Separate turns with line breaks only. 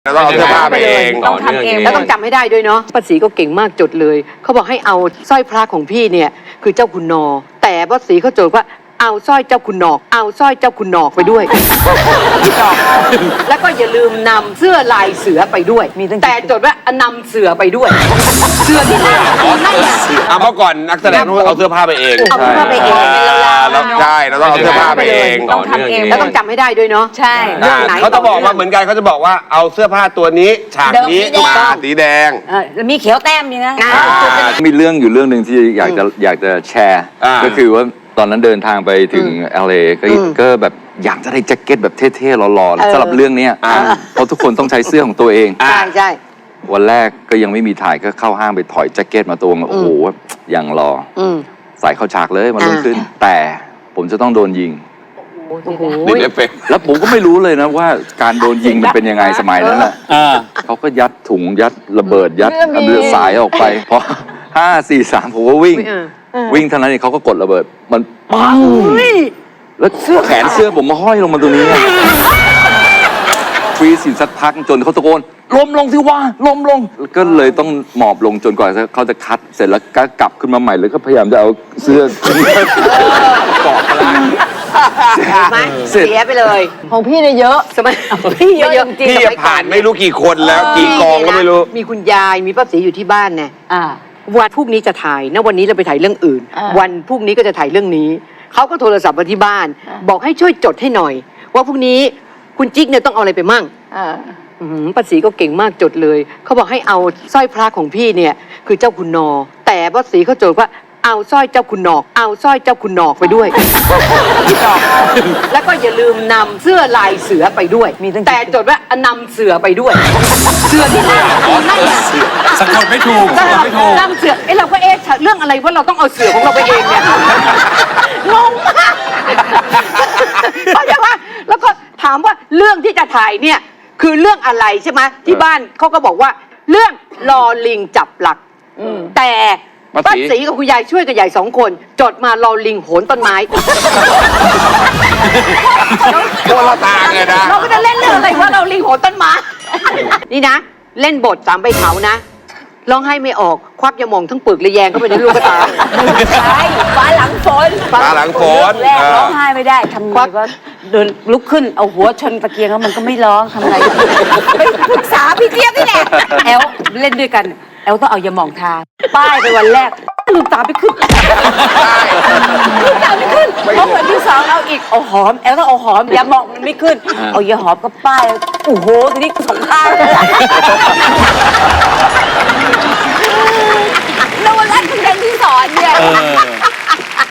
เราต้องเอาเสื้อผ้าไปเอง
ต้องทำเอง
แล้วต้องจำให้ได้ด้วยเนาะป้าศรีก็เก่งมากจดเลยเขาบอกให้เอาสร้อยพระของพี่เนี่ยคือเจ้าคุณนอแต่ป้าศรีเขาจดว่าเอาสร้อยเจ้าคุณนอกเอาสร้อยเจ้าคุณนอกไปด้วย แล้วก็อย่าลืมนำเสื้อลายเสือไปด้วยแต่จดว่านำเสือไปด้วย เสื้อที่นั่นนั่นแหละ
เมื่อก่อนนักแสดงต้องเอาเสื้อผ้าไปเอง
เอาเสื้อผ้าไปเอง
เราใช่เราต้องเอาเสื้อผ้าไปเอง
ต้องทำเอง
แล้วต้องจำให้ได้ด้วยเนาะ
ใช่
เขาจะบอกมาเหมือนกันเขาจะบอกว่าเอาเสื้อผ้าตัวนี้ฉากนี้มาสีแดง
มีเขียวแต้มนี่นะ
มีเรื่องอยู่เรื่องหนึ่งที่อยากจะแชร์ ก็คือว่าตอนนั้นเดินทางไปถึง LA ก็แบบอยากจะได้แจ็คเก็ตแบบเท่ๆหล่อๆสำหรับเรื่องนี้เพราะทุกคนต้องใช้เสื้อของตัวเอง
ใช่
วันแรกก็ยังไม่มีถ่ายก็เข้าห้างไปถอยแจ็คเก็ตมาตัวโอ้โหอย่างหล่อใส่เข้าฉากเลยมันรุ่งขึ้น แต่ผมจะต้องโดนยิง
ดิเอฟเฟกต์
แล้วผมก็ไม่รู้เลยนะว่าการโดนยิงมันเป็นยังไงสมัยนั้นน่ะเขาก็ยัดถุงยัดระเบิดยัดเรือสายออกไปพอ5 4 3ผมก็วิ่งเท่านั้นเองเขาก็กดระเบิดมันปังแล้วแขนเสื้อผมมาห้อยลงมาตรงนี้ฟรีสินสักพักจนเขาตะโกนล้มลงสิว่าล้มลงก็เลยต้องหมอบลงจนกว่าเขาจะคัดเสร็จแล้วก็กลับขึ้นมาใหม่เลยก็พยายามจะเอาเสื้อเกาะกลาง
เสียไปเลย
ของพี่เนี่ยเยอะ
สมัย
พี่เยอะจริง
พี่ผ่านไม่รู้กี่คนแล้วกี่กองก็ไม่รู้
มีคุณยายมีป้าศรีอยู่ที่บ้านเนี่ย วันพรุ่งนี้จะถ่ายนะวันนี้เราไปถ่ายเรื่องอื่น วันพรุ่งนี้ก็จะถ่ายเรื่องนี้เขาก็โทรศัพท์มาที่บ้าน บอกให้ช่วยจดให้หน่อย ว่าพรุ่งนี้คุณจิ๊กเนี่ยต้องเอาอะไรไปมั่งป้าศรีก็เก่งมากจดเลยเขาบอกให้เอาสร้อยพระของพี่เนี่ยคือเจ้าคุณนอแต่ป้าศรีเขาจดว่าเอาสร้อยเจ้าคุณนอกเอาสร้อยเจ้าคุณนอกไปด้วย แล้วก็อย่าลืมนำเสื้อลายเสือไปด้วยแต่จดว่านำเสือไปด้วย เสื้อที่นั่นนั่นแหละ
สะกดไม่ถูกสะกดไม่ถูก
นำเสือเราก็เรื่องอะไรว่าเราต้องเอาเสือของเราไปเองเนี่ยงงมากเข้าใจว่าแล้วก็ถามว่าเรื่องที่จะถ่ายเนี่ยคือเรื่องอะไรใช่ไหมที่บ้านเขาก็บอกว่าเรื่องลอลิงจับหลักแต่ป้าศรีกับคุณยายช่วยกับยาย2 คนจดมาลอลิงโหนต้นไม้
คนละทางเลยนะ
เราก็จะเล่นเรื่องอะไรว่าเราลิงโหนต้นไม้นี่นะเล่นบท3 ใบเถานะร้องไห้ไม่ออกควักยาหม่องทั้งปึกเลยแยงเข้าไปในลูกตา
ใช่ฟ้าหลังฝน
ฟ้าหลังฝน
แรกร้องไห้ไม่ได้ทำไงก็เดินลุกขึ้นเอาหัวชนตะเกียงแล้วมันก็ไม่ร้องทำไงไปปรึกษาพี่เจี๊ยบนี่แหละแอลเล่นด้วยกันแอลต้องเอายาหม่องทาป้ายไปวันแรกลืมตาไม่ขึ้นลืมตาไม่ขึ้นเพราะวันที่2เอาอีกเอาหอมแอลต้องเอาหอมยาหม่องมันไม่ขึ้นเอายาหอมก็ป้ายโอ้โหทีนี้สองข้างแล้ววันแรกคุณเรียนที่สอนเนี่ย